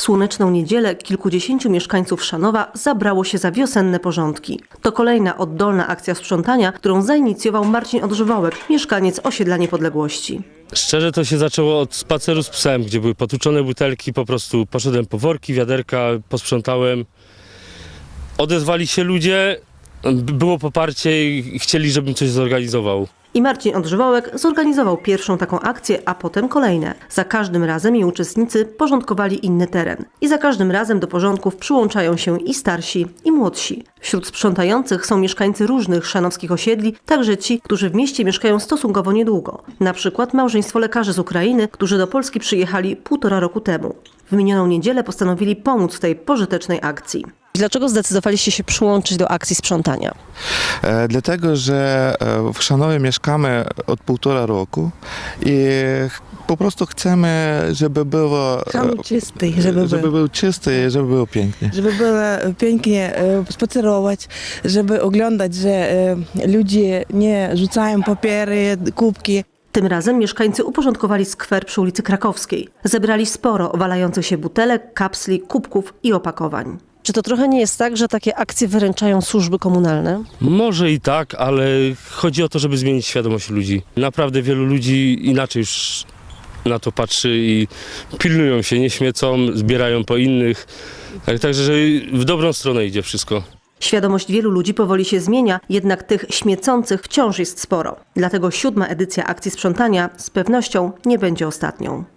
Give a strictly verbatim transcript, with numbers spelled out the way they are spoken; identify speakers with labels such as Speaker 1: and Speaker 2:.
Speaker 1: słoneczną niedzielę kilkudziesięciu mieszkańców Szanowa zabrało się za wiosenne porządki. To kolejna oddolna akcja sprzątania, którą zainicjował Marcin Odżywołek, mieszkaniec osiedla Niepodległości.
Speaker 2: Szczerze to się zaczęło od spaceru z psem, gdzie były potłuczone butelki, po prostu poszedłem po worki, wiaderka, posprzątałem. Odezwali się ludzie, było poparcie i chcieli, żebym coś zorganizował.
Speaker 1: I Marcin Odżywołek zorganizował pierwszą taką akcję, a potem kolejne. Za każdym razem jej uczestnicy porządkowali inny teren. I za każdym razem do porządków przyłączają się i starsi, i młodsi. Wśród sprzątających są mieszkańcy różnych szanowskich osiedli, także ci, którzy w mieście mieszkają stosunkowo niedługo. Na przykład małżeństwo lekarzy z Ukrainy, którzy do Polski przyjechali półtora roku temu. W minioną niedzielę postanowili pomóc w tej pożytecznej akcji. Dlaczego zdecydowaliście się przyłączyć do akcji sprzątania?
Speaker 3: E, dlatego, że e, w Szanowie mieszkamy od półtora roku i po prostu chcemy, żeby było,
Speaker 4: Szanów czysty, żeby,
Speaker 3: żeby
Speaker 4: był.
Speaker 3: był czysty i żeby było pięknie.
Speaker 4: Żeby było pięknie e, spacerować, żeby oglądać, że e, ludzie nie rzucają papiery, kubki.
Speaker 1: Tym razem mieszkańcy uporządkowali skwer przy ulicy Krakowskiej. Zebrali sporo walających się butelek, kapsli, kubków i opakowań. Czy to trochę nie jest tak, że takie akcje wyręczają służby komunalne?
Speaker 2: Może i tak, ale chodzi o to, żeby zmienić świadomość ludzi. Naprawdę wielu ludzi inaczej już na to patrzy i pilnują się, nie śmiecą, zbierają po innych. Tak, także że w dobrą stronę idzie wszystko.
Speaker 1: Świadomość wielu ludzi powoli się zmienia, jednak tych śmiecących wciąż jest sporo. Dlatego siódma edycja akcji sprzątania z pewnością nie będzie ostatnią.